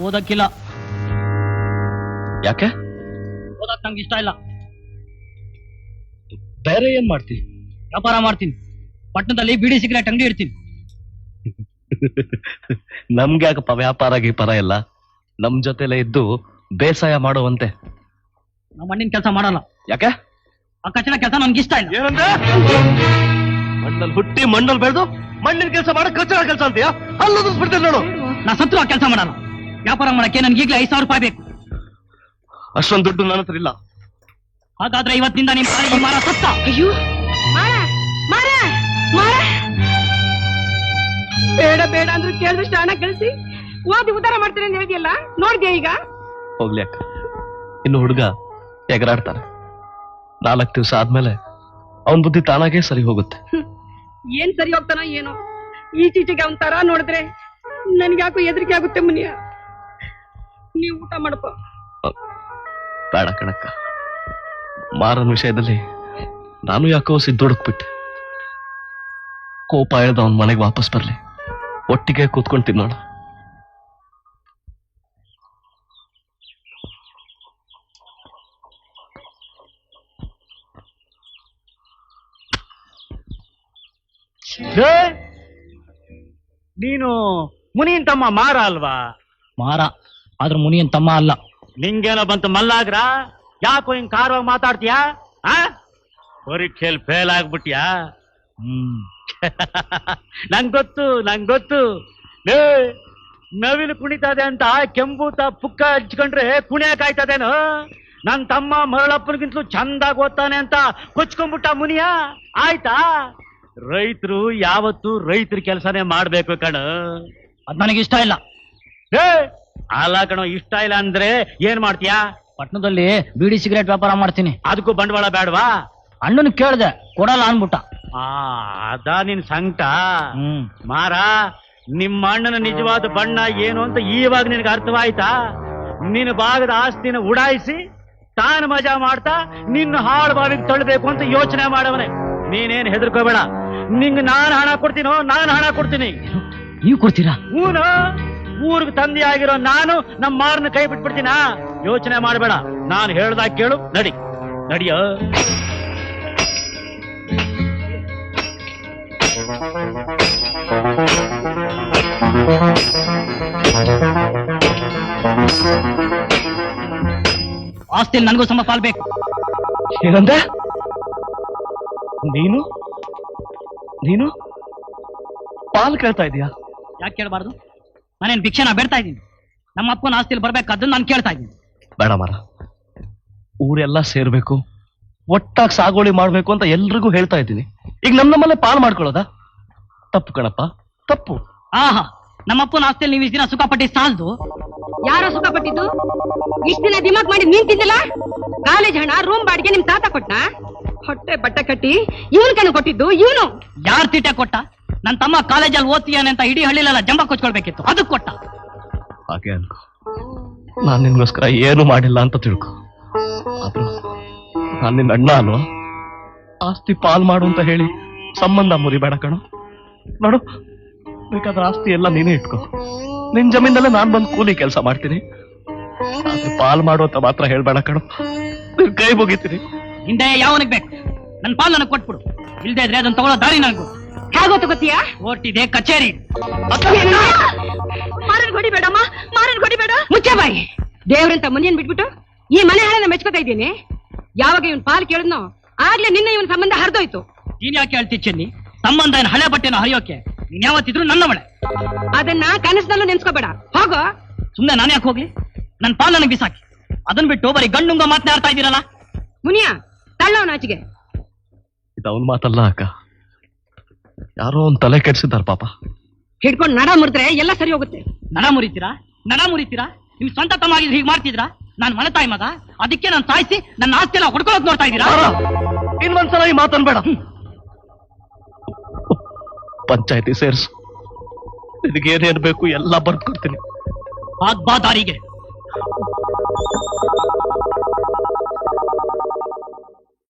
ಓದಕ್ಕಿಲ್ಲ. ಯಾಕೆ? ಓದಕ್ ನಂಗೆ ಇಷ್ಟ ಇಲ್ಲ. ಬೇರೆ ಏನ್ ಮಾಡ್ತಿ? ವ್ಯಾಪಾರ ಮಾಡ್ತೀನಿ. ಪಟ್ಟಣದಲ್ಲಿ ಬಿಡಿ ಸಿಗರೇಟ್ ಅಂಗಡಿ ಇಡ್ತೀನಿ. ನಮ್ಗೆ ಯಾಕಪ್ಪ ವ್ಯಾಪಾರ ಗೀಪಾರ ಎಲ್ಲ? ನಮ್ ಜೊತೆಲೆ ಇದ್ದು ಬೇಸಾಯ ಮಾಡುವಂತೆ. ನಾವು ಮಣ್ಣಿನ ಕೆಲಸ ಮಾಡಲ್ಲ. ಯಾಕೆ? ಆ ಕಚ್ಚಡ ಕೆಲಸ ನನ್ಗೆ ಇಷ್ಟ ಇಲ್ಲ. ಏನಂದ್ರೆ ಮಣ್ಣಲ್ಲಿ ಹುಟ್ಟಿ ಮಣ್ಣಲ್ಲಿ ಬೆಳೆದು ಮಣ್ಣಿನ ಕೆಲಸ ಮಾಡಕ್ ಕಚ್ಚಡ ಕೆಲಸ ಅಂತೀಯಾ? ಅಲ್ಲದು ಬಿಡ್ತೇನೆ ನೋಡು. ನಾ ಸತ್ರು ಆ ಕೆಲಸ ಮಾಡಲ್ಲ. ವ್ಯಾಪಾರ ಮಾಡಕ್ಕೆ ನನ್ಗೆ ಈಗಲೇ 5,000 ರೂಪಾಯಿ ಬೇಕು. ಅಷ್ಟೊಂದು ದುಡ್ಡು ನನ್ನ ಹತ್ರ ಇಲ್ಲ. ಹಾಗಾದ್ರೆ ಇವತ್ತಿನಿಂದ ನಿಮ್ ಈ ಮಾರ ಸತ್ತ. ಅಯ್ಯೋ ಬೇಡ ಬೇಡ ಅಂದ್ರೂ ಕೇಳಿದಷ್ಟು ಹಣ ಕಳಿಸಿ ಓದಿ ಉದ್ಧಾರ ಮಾಡ್ತೀನಿ ಅಂತ ಹೇಳಿದ್ಯಲ್ಲ, ನೋಡಿದ್ಯಾ ಈಗ? ಹೋಗ್ಲಿ ಅಕ್ಕ, ಇನ್ನು ಹುಡುಗ ಎಗರಾಡ್ತಾನೆ. 4 ದಿವಸ ಆದ್ಮೇಲೆ ಅವನ್ ಬುದ್ಧಿ ತಾನಾಗೇ ಸರಿ ಹೋಗುತ್ತೆ. ಏನ್ ಸರಿ ಹೋಗ್ತಾನೋ ಏನೋ. ಈಚೀಚೆಗೆ ಅವನ್ ತರ ನೋಡಿದ್ರೆ ನನ್ಗ್ಯಾಕೋ ಹೆದರಿಕೆ ಆಗುತ್ತೆ. ಮುನಿಯ, ನೀವು ಊಟ ಮಾಡಪ್ಪ. ಬೇಡ ಕಣಕ್ಕ, ಮಾರನ್ ವಿಷಯದಲ್ಲಿ ನಾನು ಯಾಕೋ ಸಿದ್ದೊಡಕ್ಬಿಟ್ಟೆ. ಕೋಪ ಎಳ್ದ ಅವನ್ ಮನೆಗೆ ವಾಪಸ್ ಬರ್ಲಿ, ಒಟ್ಟಿಗೆ ಕೂತ್ಕೊಂಡು ತಿನ್ನೋಣ. ನೀನು ಮುನಿಯನ್ ತಮ್ಮ ಮಾರ ಅಲ್ವಾ? ಮಾರ ಆದ್ರೂ ಮುನಿಯನ್ ತಮ್ಮ ಅಲ್ಲ. ನಿಂಗೇನೋ ಬಂತು ಮಲ್ಲಾಗ್ರ? ಯಾಕೋ ಹಿಂಗ್ ಕಾರವಾಗಿ ಮಾತಾಡ್ತೀಯಾ? ಪರೀಕ್ಷೆಯಲ್ಲಿ ಫೇಲ್ ಆಗ್ಬಿಟ್ಯಾ? ನಂಗೊತ್ತು. ನವಿಲು ಕುಣಿತದೆ ಅಂತ ಕೆಂಬೂತ ಪುಕ್ಕ ಹಚ್ಕೊಂಡ್ರೆ ಕುಣಿಯಕ್ ಆಯ್ತದೇನು? ನನ್ ತಮ್ಮ ಮರಳಪ್ಪನಿಗಿಂತಲೂ ಚಂದಾಗ್ ಓದ್ತಾನೆ ಅಂತ ಕೊಚ್ಕೊಂಡ್ಬಿಟ್ಟ ಮುನಿಯ. ಆಯ್ತಾ? ರೈತರು ಯಾವತ್ತು ರೈತರ ಕೆಲಸನೇ ಮಾಡ್ಬೇಕು ಕಣ. ಅದ್ ನನಗೆ ಇಷ್ಟ ಇಲ್ಲ. ಅಲ್ಲ ಕಣೋ, ಇಷ್ಟ ಇಲ್ಲ ಅಂದ್ರೆ ಏನ್ ಮಾಡ್ತೀಯಾ? ಪಟ್ಟಣದಲ್ಲಿ ಬಿಡಿ ಸಿಗರೇಟ್ ವ್ಯಾಪಾರ ಮಾಡ್ತೀನಿ. ಅದಕ್ಕೂ ಬಂಡವಾಳ ಬೇಡವಾ? ಅಣ್ಣನ ಕೇಳ್ದೆ, ಕೊಡಲ್ಲ ಅನ್ಬಿಟ್ಟ. ಅದಾ ನಿನ್ ಸಂಕಟ? ಮಾರ, ನಿಮ್ಮ ಅಣ್ಣನ ನಿಜವಾದ ಬಣ್ಣ ಏನು ಅಂತ ಈವಾಗ ನಿನಗೆ ಅರ್ಥವಾಯ್ತಾ? ನಿನ್ನ ಭಾಗದ ಆಸ್ತಿನ ಉಡಾಯಿಸಿ ತಾನು ಮಜಾ ಮಾಡ್ತಾ ನಿನ್ನ ಹಾಳು ಬಾವಿಗೆ ತಳ್ಳಬೇಕು ಅಂತ ಯೋಚನೆ ಮಾಡವನೆ. ನೀನೇನ್ ಹೆದರ್ಕೋಬೇಡ. ನಿಂಗೆ ನಾನು ಹಣ ಕೊಡ್ತೀನಿ. ನೀವು ಕೊಡ್ತೀರಾ? ಹೂನು. ಊರಿಗೆ ತಂದೆ ಆಗಿರೋ ನಾನು ನಮ್ಮ ಮಾರನ ಕೈ ಬಿಟ್ಬಿಡ್ತೀನ? ಯೋಚನೆ ಮಾಡಬೇಡ. ನಾನು ಹೇಳ್ದಾಗ ಕೇಳು. ನಡಿಯ. ಆಸ್ತಿಯಲ್ಲಿ ನನಗೂ ಸಮ ಪಾಲ್ಬೇಕು. ಏನಂದೆ? ನೀನು ಪಾಲ್ ಕೇಳ್ತಾ ಇದೀಯಾ? ಯಾಕೆ ಕೇಳಬಾರ್ದು? ನಾನೇನು ಭಿಕ್ಷೆನ ಬೇಡ್ತಾ ಇದ್ದೀನಿ? ನಮ್ಮ ಅಪ್ಪನ ಆಸ್ತಿಯಲ್ಲಿ ಬರ್ಬೇಕಾದ್ದನ್ನು ನಾನು ಕೇಳ್ತಾ ಇದ್ದೀನಿ. ಬೇಡ ಮಾರ, ಊರೆಲ್ಲ ಸೇರ್ಬೇಕು, ಒಟ್ಟಾಗಿ ಸಾಗೋಳಿ ಮಾಡ್ಬೇಕು ಅಂತ ಎಲ್ರಿಗೂ ಹೇಳ್ತಾ ಇದ್ದೀನಿ. ಈಗ ನಮ್ಮಲ್ಲೇ ಪಾಲ್ ಮಾಡ್ಕೊಳ್ಳೋದಾ? ತಪ್ಪು ಕಣಪ್ಪ, ತಪ್ಪು. ಆಹಾ, ನಮ್ಮಪ್ಪನ ಆಸ್ತಿಯಲ್ಲಿ ನೀವು ಇಷ್ಟು ದಿನ ಸುಖ ಪಟ್ಟಿ ಸಾಲದು. ಯಾರೋ ಸುಖ ಪಟ್ಟಿದ್ದು? ಇಷ್ಟ ದಿನ ದಿಮಾಕ್ ಮಾಡಿ ನೀನ್ ತಿಂದಿಲ್ಲ? ಕಾಲೇಜ್ ಹಣ, ರೂಮ್ ಬಾಡಿಗೆ ನಿಮ್ ತಾತ ಕೊಟ್ಟ? ಹೊಟ್ಟೆ ಬಟ್ಟೆ ಕಟ್ಟಿ ಇವನ್ ಕಣ್ಣು ಕೊಟ್ಟಿದ್ದು ಇವನು. ಯಾರು ತೀಟೆ ಕೊಟ್ಟ? ನನ್ನ ತಮ್ಮ ಕಾಲೇಜಲ್ಲಿ ಓದ್ತೀಯಾನೆ ಅಂತ ಇಡೀ ಹಳ್ಳಿಲೆಲ್ಲ ಜಂಬ ಕೊಚ್ಕೊಳ್ಬೇಕಿತ್ತು, ಅದಕ್ಕೆ ಕೊಟ್ಟ. ಹಾಗೆ ಅನ್ಕೋ, ನಾನ್ ನಿನ್ಗೋಸ್ಕರ ಏನು ಮಾಡಿಲ್ಲ ಅಂತ ತಿಳ್ಕೊ. ಆದ್ರೂ ನಾನ್ ನಿನ್ನ ಅಣ್ಣ ಅಲ್ವಾ? ಆಸ್ತಿ ಪಾಲ್ ಮಾಡು ಅಂತ ಹೇಳಿ ಸಂಬಂಧ ಮುರಿಬೇಡ ಕಣೋ. ನೋಡು, ಬೇಕಾದ್ರೆ ಆಸ್ತಿ ಎಲ್ಲ ನೀನೇ ಇಟ್ಕೋ. ನಿನ್ ಜಮೀನಲ್ಲೇ ನಾನ್ ಬಂದು ಕೂಲಿ ಕೆಲಸ ಮಾಡ್ತೀನಿ. ಆದ್ರೆ ಪಾಲ್ ಮಾಡು ಅಂತ ಮಾತ್ರ ಹೇಳ್ಬೇಡ ಕಣೋ, ನಿನ್ ಕೈ ಮುಗಿತೀನಿ. ಹಿಂದೆ ಯಾವನಿಗೆ ಬೇಕು? ನನ್ನ ಪಾಲ್ ನನಗೆ ಕೊಟ್ಬಿಡು. ಇಲ್ದೇ ಇದ್ರೆ ಅದನ್ನ ತಗೊಳ್ಳೋ ದಾರಿ ನನಗೂ. ಹೇಗೋ ತಗೋತೀಯಾ? ಓಟಿದೆ ಕಚೇರಿ. ಮಾರನ್ ಹೊಡಿಬೇಡಮ್ಮ, ಮಾರನ್ ಹೊಡಿಬೇಡ. ಮುಚ್ಚೆ ಬಾಯಿ. ದೇವ್ರಂತ ಮುನಿಯನ್ ಬಿಟ್ಬಿಟ್ಟು ಈ ಮನೆ ಹಾಳನ್ನ ಮೆಚ್ಕೋತಾ ಇದ್ದೀನಿ. ಯಾವಾಗ ಇವನ್ ಪಾಲ್ ಕೇಳಿದ್ನೋ ಆಗ್ಲೇ ನಿನ್ನ ಇವನ್ ಸಂಬಂಧ ಹರಿದೋಯ್ತು. ನೀನ್ ಯಾಕೆ ಹೇಳ್ತಿ ಚೆನ್ನಿ? ಸಂಬಂಧ ಏನ್ ಹಳೆ ಬಟ್ಟೆನ ಹರಿಯೋಕೆ? ನೀನ್ ಯಾವತ್ತಿದ್ರು ನನ್ನ ಮಳೆ. ಅದನ್ನ ಕನಸಿನಲ್ಲೂ ನೆನ್ಸ್ಕೋಬೇಡ. ಹೋಗೋ. ಸುಮ್ನೆ ನಾನು ಯಾಕೆ ಹೋಗ್ಲಿ? ನನ್ ಪಾಲ್ ನನಗೆ ಬಿಸಾಕಿ. ಅದನ್ ಬಿಟ್ಟು ಬರೀ ಗಂಡುಂಗ ಮಾತನಾಡ್ತಾ ಇದ್ದೀರಲ್ಲ. ಮುನಿಯ, ತಳ್ಳವನ ಆಚೆಗೆ. ಇದವನ್ ಮಾತಲ್ಲ ಅಕ್ಕ, ಯಾರೋ ಒಂದ್ ತಲೆ ಕೆಡ್ಸಿದಾರ ಪಾಪ. ಹಿಡ್ಕೊಂಡು ನಡ ಮುರಿದ್ರೆ ಎಲ್ಲ ಸರಿ ಹೋಗುತ್ತೆ. ನಡ ಮುರಿತೀರಾ? ನಿಮ್ ಸ್ವಂತ ತಮ್ಮ ಆಗಿದ್ರೆ ಹೀಗೆ ಮಾಡ್ತಿದ್ರಾ? ನಾನ್ ಮನೆ ತಾಯಿ ಮಗ, ಅದಕ್ಕೆ ನಾನು ಸಾಯಿಸಿ ನನ್ನ ಆಸ್ತಿ ಎಲ್ಲ ಹೊಡ್ಕೊಳ್ಳೋಕ್ ನೋಡ್ತಾ ಇದ್ದೀರಾ? ಇನ್ನೊಂದ್ಸಲ ಈ ಮಾತನ್ಬೇಡ. ಪಂಚಾಯತಿ ಸೇರ್ಸು, ನಿನಗೇನೇನ್ ಬೇಕು ಎಲ್ಲ ಬರ್ದು ಕೊಡ್ತೀನಿ. ಬಾ ದಾರಿಗೆ.